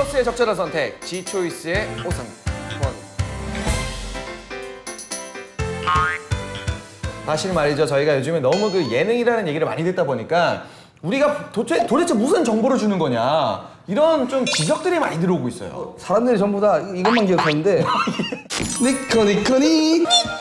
게이머로서의 적절한 선택, G초이스의 오승권. 사실 말이죠, 저희가 요즘에 너무 그 예능이라는 얘기를 많이 듣다 보니까 우리가 도대체 무슨 정보를 주는 거냐, 이런 좀 지적들이 많이 들어오고 있어요. 사람들이 전부 다 이것만 기억하는데 니코니코니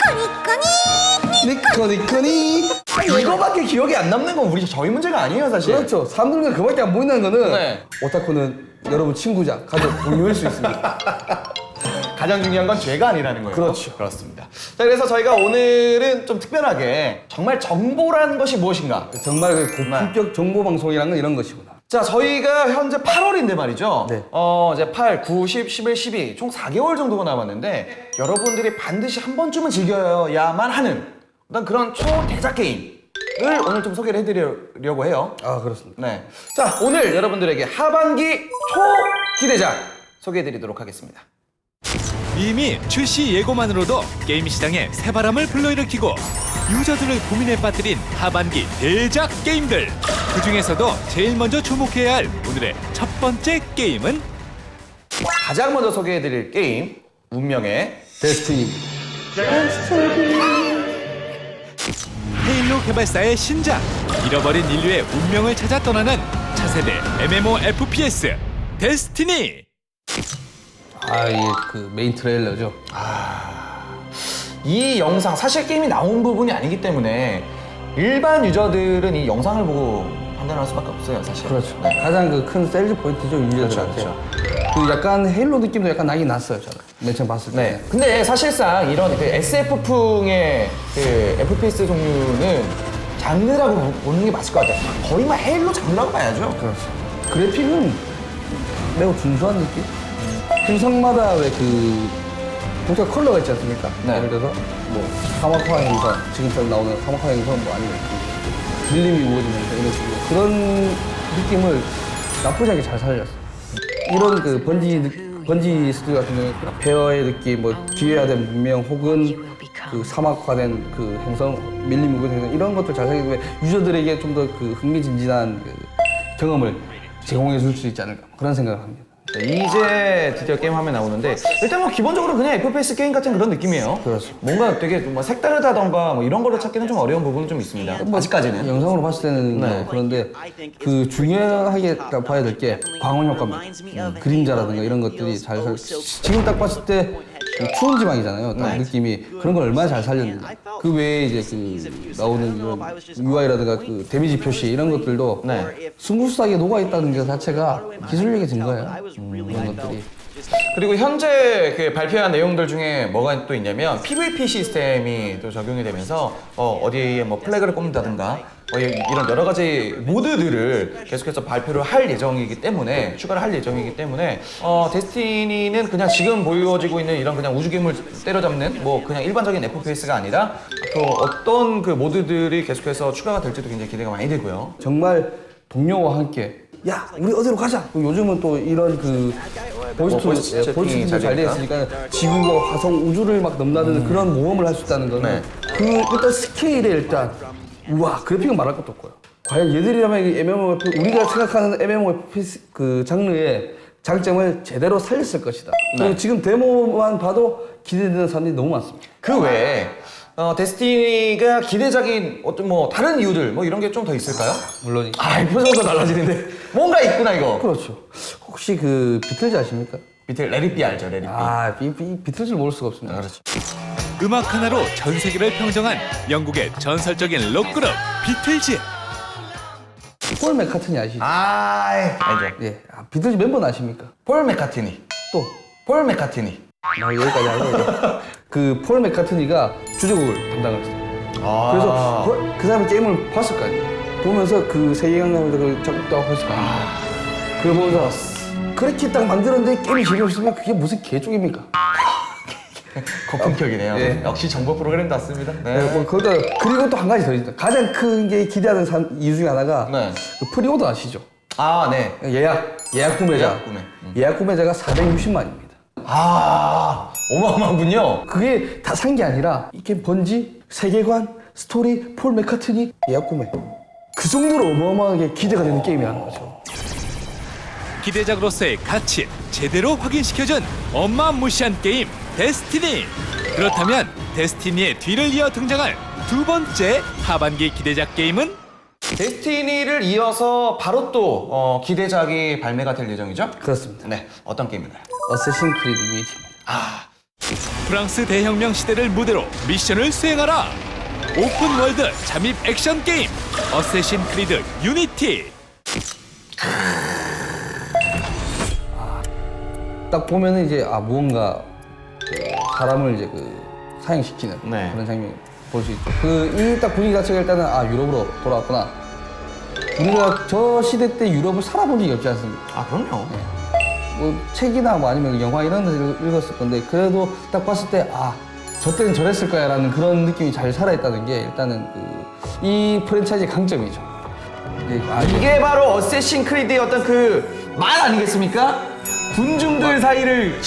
니코니코니 이거밖에 기억이 안 남는 건 저희 문제가 아니에요, 사실. 그렇죠. 사람들은 그밖에 안 보인다는 거는 네. 오타쿠는 여러분 친구자, 가족, 동료일 수 있습니다. 가장 중요한 건 죄가 아니라는 거예요. 그렇죠. 그렇습니다. 자, 그래서 저희가 오늘은 좀 특별하게 정말 정보라는 것이 무엇인가. 정말 그 고품격 정보 방송이라는 건 이런 것이구나. 자, 저희가 현재 8월인데 말이죠. 네. 이제 8, 9, 10, 11, 12 총 4개월 정도가 남았는데 여러분들이 반드시 한 번쯤은 즐겨야만 하는 어떤 그런 초대작 게임을 오늘 좀 소개를 해드리려고 해요. 아, 그렇습니다. 네. 자, 오늘 여러분들에게 하반기 초기대작 소개해드리도록 하겠습니다. 이미 출시 예고만으로도 게임 시장에 새바람을 불러일으키고 유저들을 고민에 빠뜨린 하반기 대작 게임들. 그 중에서도 제일 먼저 주목해야 할 오늘의 첫 번째 게임은 가장 먼저 소개해드릴 게임, 운명의 데스티니. 헤일로 개발사의 신작. 잃어버린 인류의 운명을 찾아 떠나는 차세대 MMORPS 데스티니. 아, 이게 그 메인 트레일러죠. 이 영상, 사실 게임이 나온 부분이 아니기 때문에 일반 유저들은 이 영상을 보고 판단할 수밖에 없어요, 사실. 그렇죠. 네. 가장 그 큰 셀즈 포인트죠, 유저들한테. 그렇죠, 그 약간 헤일로 느낌도 약간 나긴 났어요, 저는. 맨 처음 봤을 때. 네. 근데 사실상 이런 그 SF풍의 그 FPS 종류는 장르라고 보는 게 맞을 것 같아요. 거의 막 헤일로 장르라고 봐야죠. 그렇죠. 그래픽은 매우 준수한 느낌? 행성마다 왜 그 동작 컬러가 있지 않습니까? 네. 예를 들어서 뭐 사막화 행성, 지금처럼 나오는 사막화 행성 뭐 아니면 그 밀림이 우거지면서 이런 식으로 그런 느낌을 나쁘지 않게 잘 살렸어요. 이런 그 번지 스튜디오 같은 경우에 페어의 느낌, 뭐 기회화된 문명 혹은 그 사막화된 그 행성, 밀림 우거진 행성 이런 것들 잘 살리기 위해 유저들에게 좀 더 그 흥미진진한 그 경험을 제공해 줄 수 있지 않을까 그런 생각을 합니다. 이제 드디어 게임 화면 나오는데 일단 뭐 기본적으로 그냥 FPS 게임 같은 그런 느낌이에요. 그렇죠. 뭔가 되게 뭐 색다르다던가 뭐 이런 거를 찾기는 좀 어려운 부분은 좀 있습니다. 아직까지는. 영상으로 봤을 때는 네. 뭐 그런데 그 중요하게 봐야 될 게 광원 효과입니다. 그림자라든가 이런 것들이 잘 지금 딱 봤을 때 그 추운 지방이잖아요. 딱 네. 느낌이 그런 걸 얼마나 잘 살렸는지. 그 외에 이제 그 나오는 이런 UI라든가 그 데미지 표시 이런 것들도 네. 스무스하게 녹아 있다는 것 자체가 기술력의 증거예요. 이런 것들이. 그리고 현재 그 발표한 내용들 중에 뭐가 또 있냐면 PVP 시스템이 또 적용이 되면서 어디에 뭐 플래그를 꼽는다든가 이런 여러 가지 모드들을 계속해서 발표를 할 예정이기 때문에 추가를 할 예정이기 때문에 데스티니는 그냥 지금 보여지고 있는 이런 그냥 우주괴물 때려잡는 뭐 그냥 일반적인 FPS가 아니라 앞으로 어떤 그 모드들이 계속해서 추가가 될지도 굉장히 기대가 많이 되고요. 정말 동료와 함께 야 우리 어디로 가자. 요즘은 또 이런 그 보이스 채팅이 잘 되어 있으니까 지구와 화성 우주를 막 넘나드는 그런 모험을 할 수 있다는 거는 네. 그 일단 스케일에 일단 우와 그래픽은 말할 것도 없고요. 과연 얘들이라면 이 MMORPG 우리가 생각하는 MMORPG 그 장르의 장점을 제대로 살렸을 것이다. 그리고 네. 지금 데모만 봐도 기대되는 사람들이 너무 많습니다. 그 외에 데스티니가 기대작인 어떤 뭐 다른 이유들 뭐 이런 게 좀 더 있을까요? 물론 표정도 달라지는데 뭔가 있구나 이거. 그렇죠. 혹시 그 비틀즈 아십니까? 밑에 레리비 알죠, 레리비. 비틀즈를 모를 수가 없습니다. 그렇죠. 음악 하나로 전 세계를 평정한 영국의 전설적인 록그룹 비틀즈. 폴 맥카트니 아시죠? 알죠. 예, 비틀즈 멤버는 아십니까? 폴 맥카트니. 또 폴 맥카트니. 여기까지 하고 그 폴 맥카트니가 주제곡을 담당을 했어요. 그래서 그 사람이 게임을 봤을 거 아니에요. 보면서 그 세계관을 그 작곡도 하고 했을 거 아니에요. 그걸 보면서 그렇게 딱 만들었는데 게임이 재미없으면 그게 무슨 개쪽입니까? 고품격이네요. 예. 역시 정보 프로그램답습니다. 네. 네, 뭐 거기다 그리고 또 한 가지 더 있다. 가장 큰 게 기대하는 이유 중에 하나가 네. 그 프리오더 아시죠? 네. 예약 구매자. 예약 구매. 예약 구매자가 460만입니다. 어마어마하군요. 그게 다 산 게 아니라 이게 번지, 세계관, 스토리, 폴 맥카트니, 예약 구매. 그 정도로 어마어마하게 기대가 되는 게임이라는 거죠. 기대작으로서의 가치 제대로 확인시켜준 어마무시한 게임 데스티니. 그렇다면 데스티니의 뒤를 이어 등장할 두 번째 하반기 기대작 게임은 데스티니를 이어서 바로 또 기대작이 발매가 될 예정이죠? 그렇습니다. 네, 어떤 게임인가요? 어쌔신 크리드 유니티. 프랑스 대혁명 시대를 무대로 미션을 수행하라. 오픈 월드 잠입 액션 게임 어쌔신 크리드 유니티. 딱 보면은 이제 무언가 그 사람을 이제 사형시키는 네. 그런 장면 볼 수 있죠. 이 딱 분위기 자체가 일단은 유럽으로 돌아왔구나. 우리가 저 시대 때 유럽을 살아본 적이 없지 않습니까? 아, 그럼요. 뭐 책이나 뭐 아니면 영화 이런 데서 읽었을 건데 그래도 딱 봤을 때 저 때는 저랬을 거야라는 그런 느낌이 잘 살아있다는 게 일단은 이 프랜차이즈의 강점이죠. 이게 바로 어쌔신 크리드의 어떤 그 말 아니겠습니까? 군중들 사이를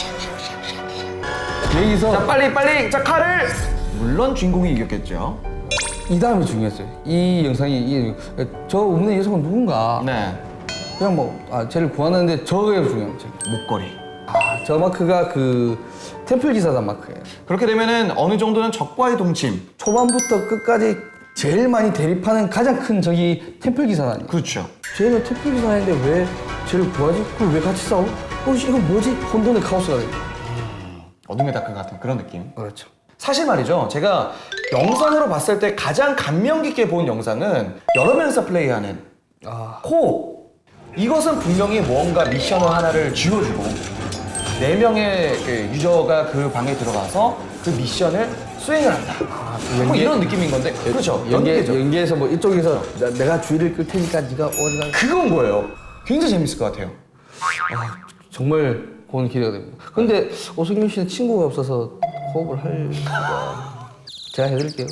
여기서 자, 빨리 자, 칼을 물론 주인공이 이겼겠죠. 이 다음이 중요했어요. 이 영상이 저 없는 여성은 누군가. 네. 그냥 쟤를 구하는데 저게 중요한 거죠. 목걸이. 저 마크가 템플 기사단 마크예요. 그렇게 되면은 어느 정도는 적과의 동침. 초반부터 끝까지 제일 많이 대립하는 가장 큰 적이 템플 기사단이에요. 그렇죠. 쟤는 템플 기사단인데 왜 쟤를 구하지? 그럼 왜 같이 싸워? 이건 뭐지? 혼돈의 카오스가 돼요. 어둠의 다크 같은 그런 느낌. 그렇죠. 사실 말이죠. 제가 영상으로 봤을 때 가장 감명 깊게 본 영상은 여러 명이서 플레이하는 코옵. 이것은 분명히 무언가 미션을 하나를 쥐어주고 4명의 유저가 그 방에 들어가서 그 미션을 수행을 한다. 뭐 이런 느낌인 건데. 그렇죠. 연계에서 뭐 이쪽에서 내가 주의를 끌 테니까 네가 어디가 그건 거예요. 굉장히 재밌을 것 같아요. 정말 그건 기대가 됩니다. 근데 오승균 씨는 친구가 없어서 호흡을 할까? 제가 해드릴게요.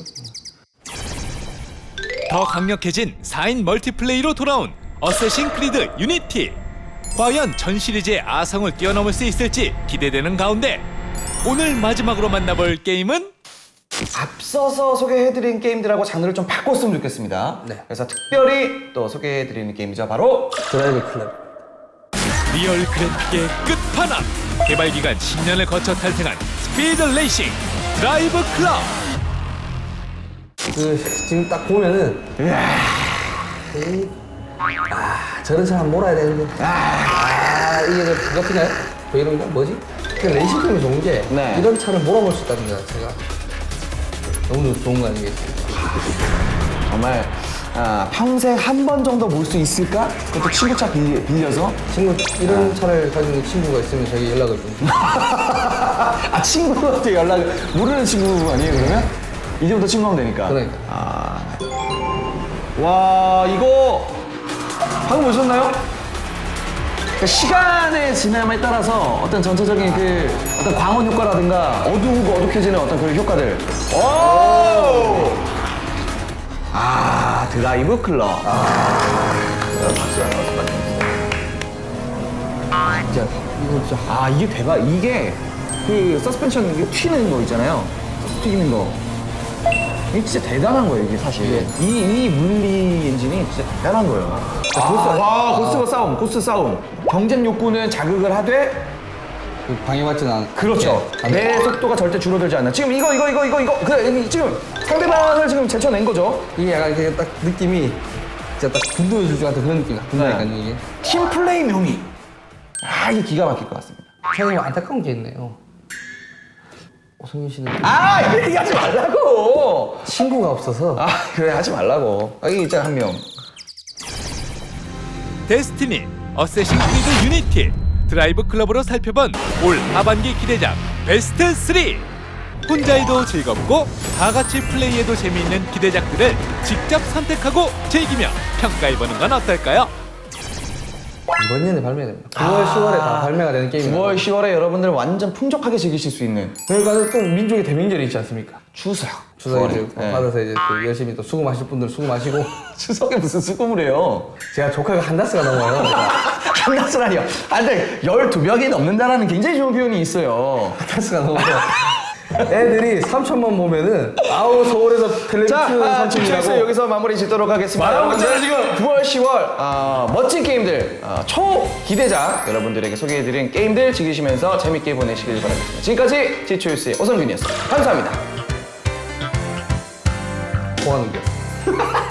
더 강력해진 4인 멀티플레이로 돌아온 어쌔신 크리드 유니티. 과연 전 시리즈의 아성을 뛰어넘을 수 있을지 기대되는 가운데 오늘 마지막으로 만나볼 게임은 앞서서 소개해드린 게임들하고 장르를 좀 바꿨으면 좋겠습니다. 네. 그래서 특별히 또 소개해드리는 게임이죠. 바로 드라이브 클럽. 리얼 그래픽의 끝판왕. 개발 기간 10년을 거쳐 탄생한 스피드 레이싱 드라이브 클럽. 지금 딱 보면은 저런 사람 몰아야 되는데 이게 그거인가요? 뭐 이런 거 뭐지? 그 레이싱 게임이 좋은 게 네. 이런 차를 몰아볼 수 있다는 것 자체가 너무 좋은 거 아니겠습니까? 정말 평생 한 번 정도 몰 수 있을까? 그것도 친구 차 빌려서? 이런 차를 가지고 친구가 있으면 저희 연락을 좀. 친구한테 모르는 친구 아니에요, 그러면? 이제부터 친구하면 되니까. 그러니까. 와, 이거 방금 보셨나요? 그러니까 시간의 지남에 따라서 어떤 전체적인 어떤 광원 효과라든가 어두우고 어둑해지는 어떤 그런 효과들. 오! 드라이브 클럽. 진짜 이거 진짜 이게 대박. 이게 서스펜션 이게 튀는 거 있잖아요. 튀기는 거. 이게 진짜 대단한 거예요, 이게 사실. 이 물리 엔진이 진짜 대단한 거예요. 고스트 싸움. 경쟁 욕구는 자극을 하되, 방해받지는 않. 그렇죠. 내 속도가 절대 줄어들지 않는. 지금 이거. 지금 상대방을 지금 제쳐낸 거죠. 이게 약간 딱 느낌이 진짜 딱 분노의 줄줄 같은 그런 느낌이 든다니까 이게. 팀 플레이 묘미. 이게 기가 막힐 것 같습니다. 사장님 안타까운 게 있네요. 오승균 씨는 이거 얘기하지 말라고. 친구가 없어서. 그래, 하지 말라고. 이게 있잖아, 한 명. 데스티니 어쌔신 크리드 유니티 드라이브 클럽으로 살펴본 올 하반기 기대작 베스트 3. 혼자 해도 즐겁고 다 같이 플레이해도 재미있는 기대작들을 직접 선택하고 즐기며 평가해보는 건 어떨까요? 이번 년에 발매됩니다. 9월, 10월에 다 발매가 되는 게임이에요. 9월, 10월에 여러분들 완전 풍족하게 즐기실 수 있는 그러니까 또 민족의 대명절이 있지 않습니까? 추석. 추석에 이제 네. 받아서 이제 또 열심히 또 수고하실 분들 수고하시고. 추석에 무슨 수금을 해요? 제가 조카가 한다스가 넘어요. 한다스라니요. 근데 12명이 넘는다라는 굉장히 좋은 표현이 있어요. 한다스가 넘어서 애들이 3천만 보면은 아우 서울에서 텔레비전 자, 집초에서 3천이라고 여기서 마무리 짓도록 하겠습니다. 말하고 있잖아, 여러분들, 9월, 10월 멋진 게임들, 초기대작 여러분들에게 소개해드린 게임들 즐기시면서 재밌게 보내시길 바라겠습니다. 지금까지 지초유스의 오성균이었습니다. 감사합니다. 뭐 하는 게